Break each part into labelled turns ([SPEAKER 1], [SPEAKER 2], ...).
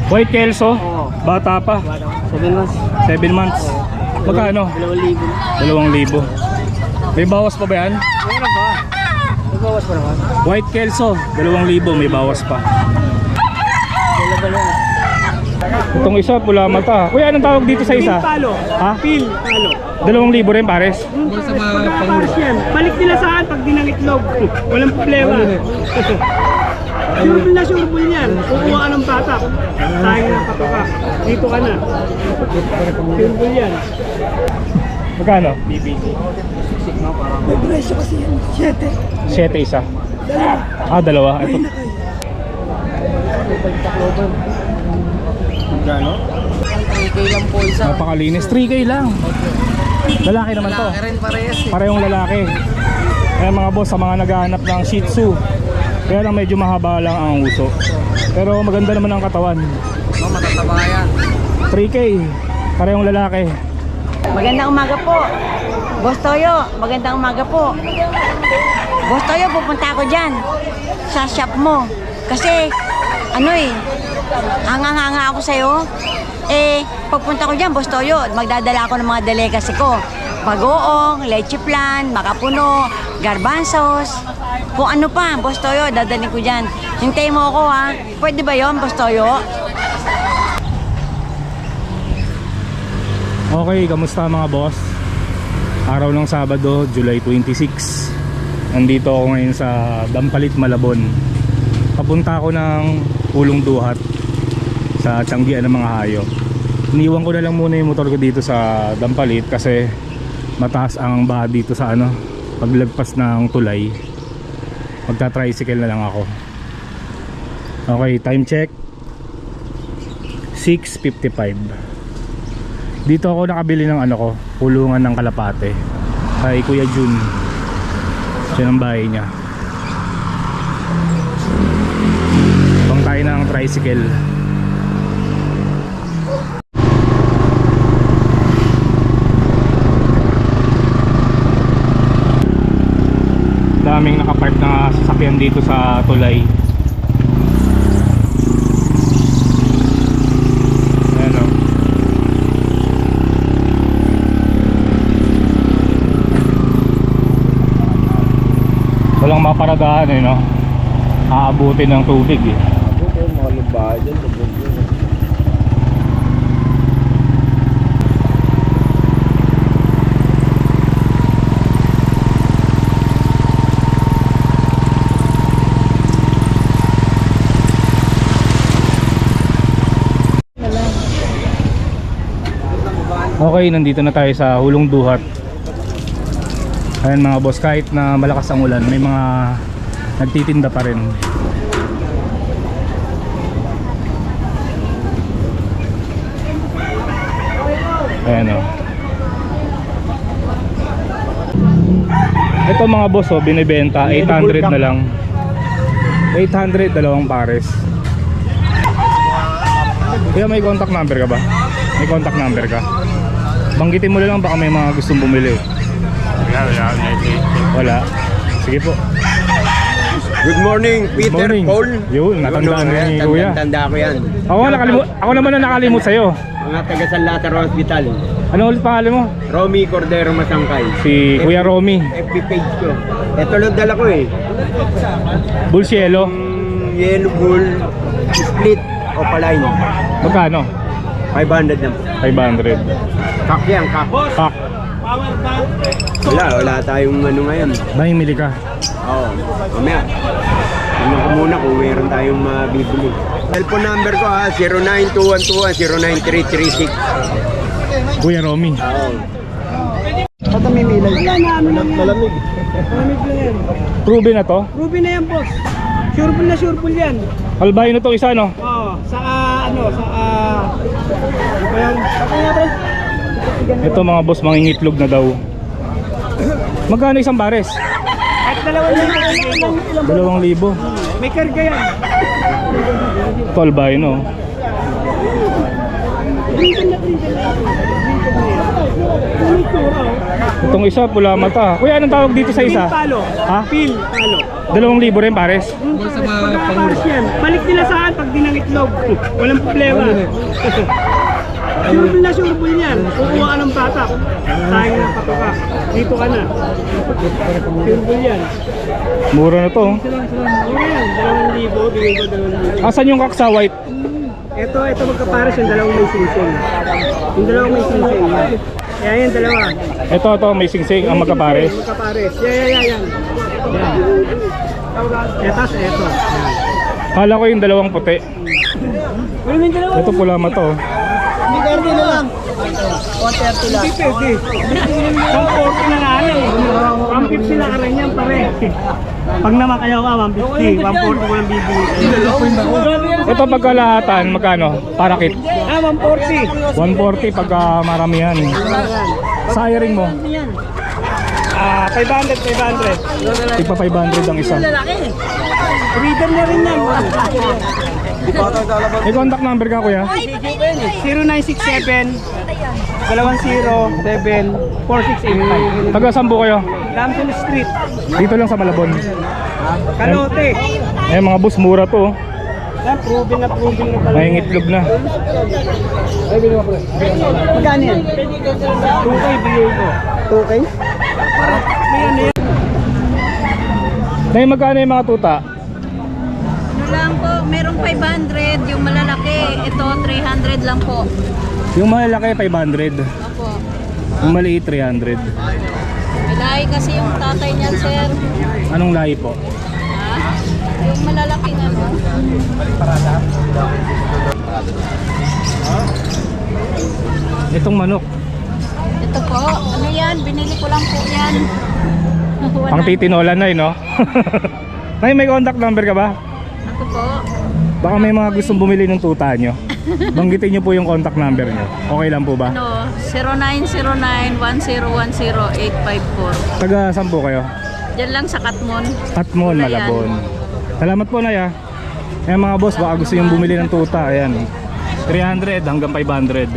[SPEAKER 1] White Kelso?
[SPEAKER 2] Oo.
[SPEAKER 1] Bata pa.
[SPEAKER 2] 7 months.
[SPEAKER 1] 7 months. Magkano?
[SPEAKER 2] 2,000.
[SPEAKER 1] 2,000. May bawas pa ba yan?
[SPEAKER 2] Meron ba? May bawas pa naman.
[SPEAKER 1] White Kelso, 2,000, may bawas pa.
[SPEAKER 2] Dalawa lang.
[SPEAKER 1] Itong isa, pula mata. Kuya, anong tawag dito sa isa?
[SPEAKER 2] Palo.
[SPEAKER 1] Ha?
[SPEAKER 2] Palo.
[SPEAKER 1] 2,000 rin pares?
[SPEAKER 2] Pares yan. Balik nila saan pag dinangitlog. Walang problema. Sureball yan. Kukuha ka ng batak. Sayang ng patoka. Dito ka na. Sureball yan.
[SPEAKER 1] Magkano?
[SPEAKER 2] May presyo kasi yan. 7.
[SPEAKER 1] 7 isa. Ah, dalawa. Ito.
[SPEAKER 2] Gano? 3K lang po isa.
[SPEAKER 1] Napakalinis. 3K lang. Lalaki naman to.
[SPEAKER 2] Lalaki rin parehas eh.
[SPEAKER 1] Parehong lalaki. Kaya mga boss, sa mga naghahanap ng Shih Tzu, kaya lang medyo mahaba lang ang uso. Pero maganda naman ang katawan.
[SPEAKER 2] Oh, matataba yan.
[SPEAKER 1] 3K. Parehong lalaki.
[SPEAKER 3] Magandang umaga po. Boss Toyo, magandang umaga po. Boss Toyo, pupunta ako dyan sa shop mo. Kasi, hanga-hanga ako sa'yo. Pagpunta ko dyan, Boss Toyo, magdadala ako ng mga delicacy ko. Bagoong, leche flan, makapuno, garbanzos. Kung ano pa, Boss Toyo, dadalhin ko dyan. Hintayin mo ako ha. Pwede ba yon, Boss Toyo?
[SPEAKER 1] Okay, kamusta mga boss? Araw ng Sabado, July 26. Nandito ako ngayon sa Dampalit, Malabon. Papunta ako ng Pulong Duhat sa Tianggian ng mga hayop. Iniwan ko na lang muna yung motor ko dito sa Dampalit kasi mataas ang baha dito sa paglagpas ng tulay. Magta-tricycle na lang ako. Okay, time check 6:55. Dito ako nakabili ng pulungan ng kalapate kay Kuya Jun. Siya ang bahay niya. Pang tayo ng tricycle. Daming nakapark na sasakyan dito sa tulay. Ayan o. Walang maparadahan no? Aabutin ng tubig
[SPEAKER 2] Abutin, mga lubahan dyan.
[SPEAKER 1] Okay, nandito na tayo sa Hulong Duhat. Ayan mga boss, kahit na malakas ang ulan, may mga nagtitinda pa rin. Ayan o. Ito mga boss binibenta 800 na lang. 800, dalawang pares. Kaya may contact number ka ba? May contact number ka? Banggitin mo lang, baka may mga gustong bumili. Wala. Sige po.
[SPEAKER 4] Good morning, Peter,
[SPEAKER 1] Good morning.
[SPEAKER 4] Paul.
[SPEAKER 1] Yun, natandaan mo ni Kuya.
[SPEAKER 4] Tanda ko yan.
[SPEAKER 1] Ako naman na nakalimut sa'yo.
[SPEAKER 4] Mga taga San Lazaro Hospital.
[SPEAKER 1] Ano ulit pangalan mo?
[SPEAKER 4] Romy Cordero Masangkay.
[SPEAKER 1] Si Kuya Romy.
[SPEAKER 4] FB page ko. Ito lang dala ko eh.
[SPEAKER 1] Bulsielo.
[SPEAKER 4] Yellow bull, split, opaline.
[SPEAKER 1] Magkano?
[SPEAKER 4] 500 na.
[SPEAKER 1] 500.
[SPEAKER 4] Kak yan, kak.
[SPEAKER 1] Pak.
[SPEAKER 4] Wala tayong ngayon.
[SPEAKER 1] Mahimili ka.
[SPEAKER 4] Oo, mamaya. Tingnan ko muna kung meron tayong mabibili. Cellphone number ko 092121093336.
[SPEAKER 1] Kuya Romy.
[SPEAKER 4] Oo.
[SPEAKER 2] Ito may milay. Malamig. Malamig na yan.
[SPEAKER 1] Proven na to?
[SPEAKER 2] Ruby na yan, boss. Sureball yan.
[SPEAKER 1] Albino to isa no?
[SPEAKER 2] Oo. Ano ba yan?
[SPEAKER 1] Ito mga boss, mangingitlog na daw. Magkano isang pares?
[SPEAKER 2] At 2,000.
[SPEAKER 1] 2,000.
[SPEAKER 2] May karga yan.
[SPEAKER 1] Ito albino.
[SPEAKER 2] Yung itsura, oh.
[SPEAKER 1] Itong isa, pula mata. Kuya, anong tawag dito sa isa?
[SPEAKER 2] Pil palo.
[SPEAKER 1] Ha?
[SPEAKER 2] Pil palo.
[SPEAKER 1] 2,000 rin pares.
[SPEAKER 2] Pagkakapares yan. Balik nila saan pag di ng itlog. Walang problema. Surbol na surbol yan. Kukuha ka ng patak. Sayang ng patoka. Dito ka na. Surbol yan.
[SPEAKER 1] Mura na to. Oh.
[SPEAKER 2] Ano yan? 2,000. Bigay ko 2,000.
[SPEAKER 1] Asan yung kaksa white?
[SPEAKER 2] Ito magkapares yung dalawang may singsing. Yung dalawang may singsing. Yan yan, dalawa.
[SPEAKER 1] Ito, may singsing ang magkapares.
[SPEAKER 2] Magkapares. Yan. Etas, eto. Yan.
[SPEAKER 1] Kala ko yung dalawang puti.
[SPEAKER 2] Ano yung dalawa?
[SPEAKER 1] Ito pula mata. Oh.
[SPEAKER 2] Hindi kardi na lang. 130 lang. Hindi pwede. 140 na lang eh. 150 na ka rin yan pare. Pag naman kayo ka, 150. 140 ko lang bibili.
[SPEAKER 1] Ito pagkalahatan, magkano? Parakit.
[SPEAKER 2] 140.
[SPEAKER 1] 140 pagka maramihan. Siring mo.
[SPEAKER 2] 500.
[SPEAKER 1] Tigpa 500 ang isa.
[SPEAKER 2] Freedom na rin yan.
[SPEAKER 1] May contact number ka kuya?
[SPEAKER 2] 0967 207 4685.
[SPEAKER 1] Taga saan po kayo?
[SPEAKER 2] Lamson Street,
[SPEAKER 1] Dito lang sa Malabon.
[SPEAKER 2] Kalote.
[SPEAKER 1] Eh mga boss, mura to. Oh.
[SPEAKER 2] Yan, proven na pala.
[SPEAKER 1] May itlog na.
[SPEAKER 2] Magkano yan? 2K bigay ko. 2K?
[SPEAKER 1] Nay, magkano yung mga tuta?
[SPEAKER 5] Ano lang po, merong 500, yung malalaki, ito 300 lang po.
[SPEAKER 1] Yung malaki 500.
[SPEAKER 5] Opo.
[SPEAKER 1] Yung maliit 300.
[SPEAKER 5] May lahi kasi yung tatay niyan, sir.
[SPEAKER 1] Anong lahi po?
[SPEAKER 5] Ha? Yung malalaki na po.
[SPEAKER 1] Itong manok.
[SPEAKER 5] Ito po, ano yan, binili ko lang po yan.
[SPEAKER 1] Pang titinola na no? Nay, may contact number ka ba?
[SPEAKER 5] Ako po,
[SPEAKER 1] Baka may mga gustong bumili ng tuta nyo. Banggitin nyo po yung contact number nyo. Okay lang po ba?
[SPEAKER 5] ano, 0909-1010-854.
[SPEAKER 1] Taga saan po kayo?
[SPEAKER 5] Diyan lang sa Katmon.
[SPEAKER 1] Katmon,
[SPEAKER 5] Wala yan.
[SPEAKER 1] Malabon. Salamat po Nay ah. Ayan mga boss, baka gusto yung bumili ng tuta. Ayan, 300 hanggang 500.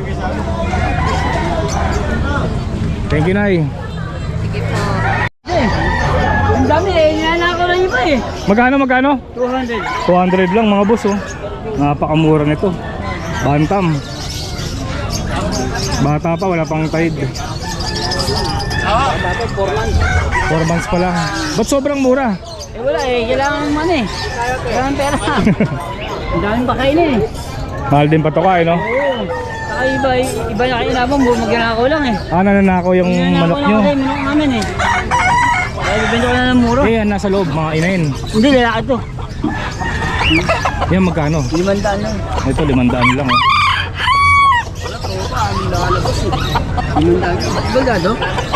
[SPEAKER 1] Thank you Nay.
[SPEAKER 5] Sige po.
[SPEAKER 2] Ang dami eh, inaanak ko lang iba eh.
[SPEAKER 1] Magkano?
[SPEAKER 2] 200.
[SPEAKER 1] 200 lang mga boss oh. Napakamura nito. Bantam. Bata pa, wala pang tide. 4 months pa lang. Ba't sobrang mura?
[SPEAKER 2] Eh wala eh, kailangan naman eh. Kailangan pera. Ang daming pakain eh.
[SPEAKER 1] Mahal din pa to ka eh no?
[SPEAKER 2] Oo. Saka iba na kayo naman, magnanakaw lang eh.
[SPEAKER 1] Nananako yung manok nyo.
[SPEAKER 2] Manok namin eh. Kaya bibenta ko na ng muro.
[SPEAKER 1] Eh yan, nasa loob, mga inahin.
[SPEAKER 2] Hindi, lalaki to.
[SPEAKER 1] Yan magkano?
[SPEAKER 2] 500 lang.
[SPEAKER 1] Ito 500 lang oh.
[SPEAKER 2] Bagado?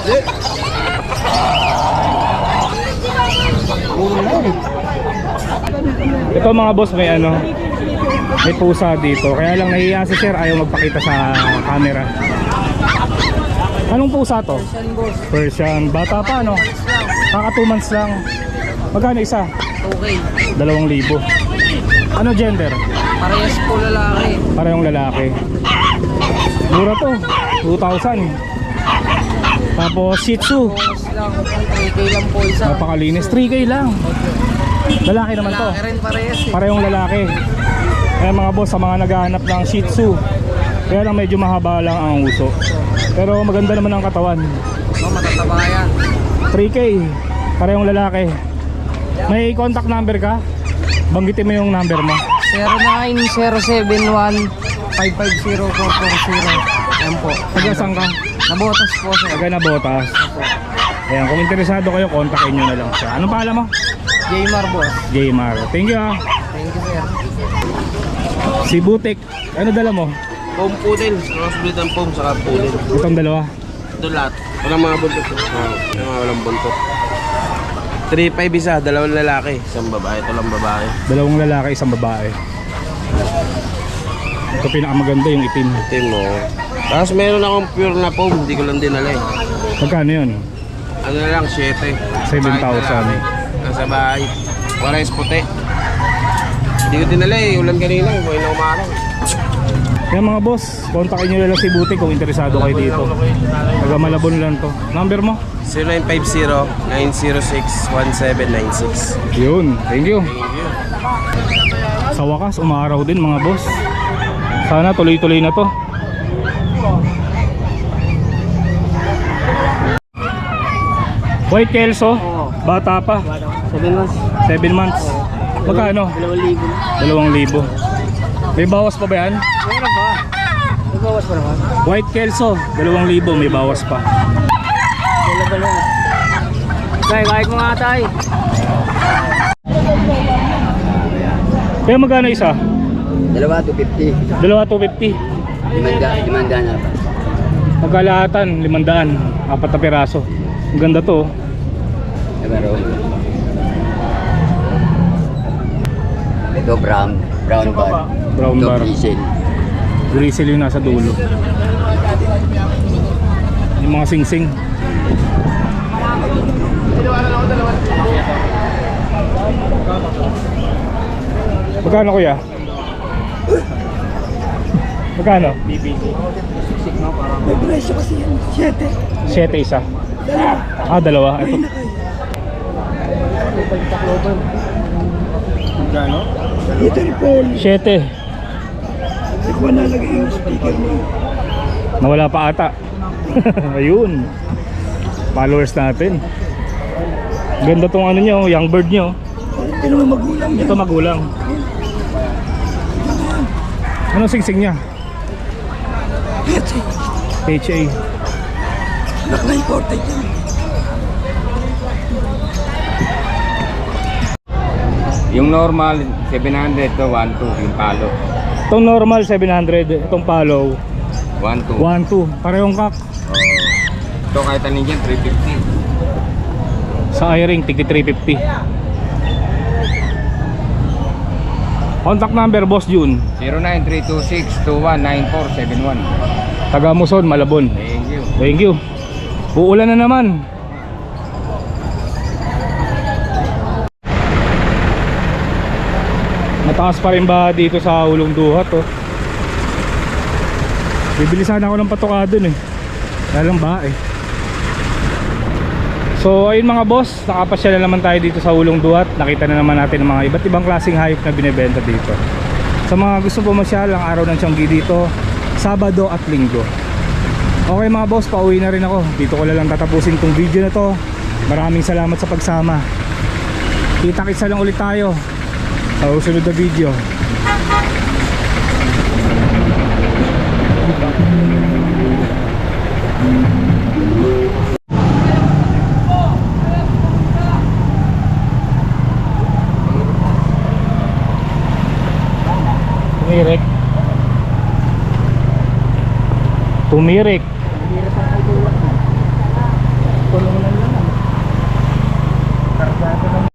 [SPEAKER 1] Ito mga boss, may ano, may pusa dito. Kaya lang nahihiya si sir, ayaw magpakita sa camera. Anong pusa to? Persian. Bata pa no? Kaka 2 months lang. Magkano isa?
[SPEAKER 2] Okay.
[SPEAKER 1] 2,000. Ano gender?
[SPEAKER 2] Parehas po lalaki.
[SPEAKER 1] Parehong lalaki. Mura to, 2,000. Tapos Shih Tzu,
[SPEAKER 2] Lang, 3K lang po isa.
[SPEAKER 1] napakalinis, 3K lang. Lalaki naman to.
[SPEAKER 2] Rin parehas eh.
[SPEAKER 1] Parehong lalaki. Kaya mga boss, sa mga naghahanap ng Shih Tzu, kaya lang medyo mahaba lang ang uso. Pero maganda naman ang katawan.
[SPEAKER 2] Matataba yan.
[SPEAKER 1] 3K, parehong lalaki. May contact number ka? Banggitin mo yung number mo.
[SPEAKER 2] 0907-1550440. Yan po.
[SPEAKER 1] Taga saan ka?
[SPEAKER 2] Nabotas po sir.
[SPEAKER 1] Taga Nabotas. Ayan, kung interesado kayo, kontakin nyo na lang siya. Anong pangalan mo?
[SPEAKER 2] Jaymar boss.
[SPEAKER 1] Jaymar. Thank you ah.
[SPEAKER 2] Thank you sir.
[SPEAKER 1] Si Butik, ano dala mo?
[SPEAKER 4] Foam poodle, crossbreed ang foam, saka poodle.
[SPEAKER 1] Itong dalawa.
[SPEAKER 4] Ito lahat. Walang mga buntot. Walang buntot. 3-5 isa, dalawang lalaki, isang babae. Ito lang babae.
[SPEAKER 1] Dalawang lalaki, isang babae. Ito pinakamaganda yung itim.
[SPEAKER 4] Team mo. Tapos meron akong pure na foam, hindi ko lang dinala eh.
[SPEAKER 1] Magkano yun?
[SPEAKER 4] Ano na lang, 7.
[SPEAKER 1] 7,000.
[SPEAKER 4] Nasa bahay. Warais puti. Hindi ko dinala eh, ulan kanina, buhay na umarang.
[SPEAKER 1] Kaya mga boss, kontakin nyo lang si Buti kung interesado kayo dito. Taga Malabon lang to. Number mo?
[SPEAKER 4] 0950-906-1796.
[SPEAKER 1] Yun, thank you. Sa wakas, umaraw din mga boss. Sana tuloy-tuloy na to. White Kelso, bata pa,
[SPEAKER 2] 7 months.
[SPEAKER 1] 7 months. Magkano? 2,000. May bawas pa ba yan?
[SPEAKER 2] Meron ba? Nagbawas pa naman.
[SPEAKER 1] White Kelso, 2,000, may bawas pa.
[SPEAKER 2] Dala ba lang? Tay, kahit mga tay.
[SPEAKER 1] Kaya magkano isa?
[SPEAKER 6] Dalawa 250.
[SPEAKER 1] 2,250.
[SPEAKER 6] Limanda na pa.
[SPEAKER 1] Magkalahatan, 500. 4 na piraso. Ang ganda to.
[SPEAKER 6] Pero ito brown bar.
[SPEAKER 1] Brown
[SPEAKER 6] Ito
[SPEAKER 1] bar.
[SPEAKER 6] diesel.
[SPEAKER 1] Grizzly yung nasa dulo. Yung mga sing-sing. Magkano kuya? Magkano?
[SPEAKER 2] May presyo kasi yan. 7.
[SPEAKER 1] 7 isa. Ah, dalawa. Ito.
[SPEAKER 2] Gano?
[SPEAKER 1] 7.
[SPEAKER 2] Hindi ko nalagay yung speaker mo.
[SPEAKER 1] Nawala pa ata. Ayun. Followers natin. Ganda tong ano nyo, young bird nyo.
[SPEAKER 2] Ito naman magulang.
[SPEAKER 1] Ito magulang. Anong singsing niya? PHA.
[SPEAKER 2] Naka-imported yan.
[SPEAKER 6] Yung normal 700 to 12 yung palo.
[SPEAKER 1] Itong normal 700, itong follow
[SPEAKER 6] 12.
[SPEAKER 1] 1.2. Parehong kak.
[SPEAKER 6] Ito kahit anin dyan 350.
[SPEAKER 1] Sa i-ring, tigti 350. Contact number, Boss June.
[SPEAKER 6] 09-326-219471.
[SPEAKER 1] Taga Muson, Malabon.
[SPEAKER 6] Thank you.
[SPEAKER 1] Thank you. Uulan na naman. Mataas pa rin ba dito sa Ulong Duhat, oh? Bibili sana ako ng patoka dun eh. Kaya lang ba eh. So ayun mga boss, nakapasya na naman tayo dito sa Ulong Duhat. Nakita na naman natin ang mga iba't ibang klaseng hayop na binibenta dito. Sa mga gusto pumasyal, ang araw ng Tianggi dito, Sabado at Linggo. Okay mga boss, pauwi na rin ako. Dito ko lang tatapusin tong video na to. Maraming salamat sa pagsama. Kita-kitsa lang ulit tayo sa susunod na video. Tumirik. Tumirik.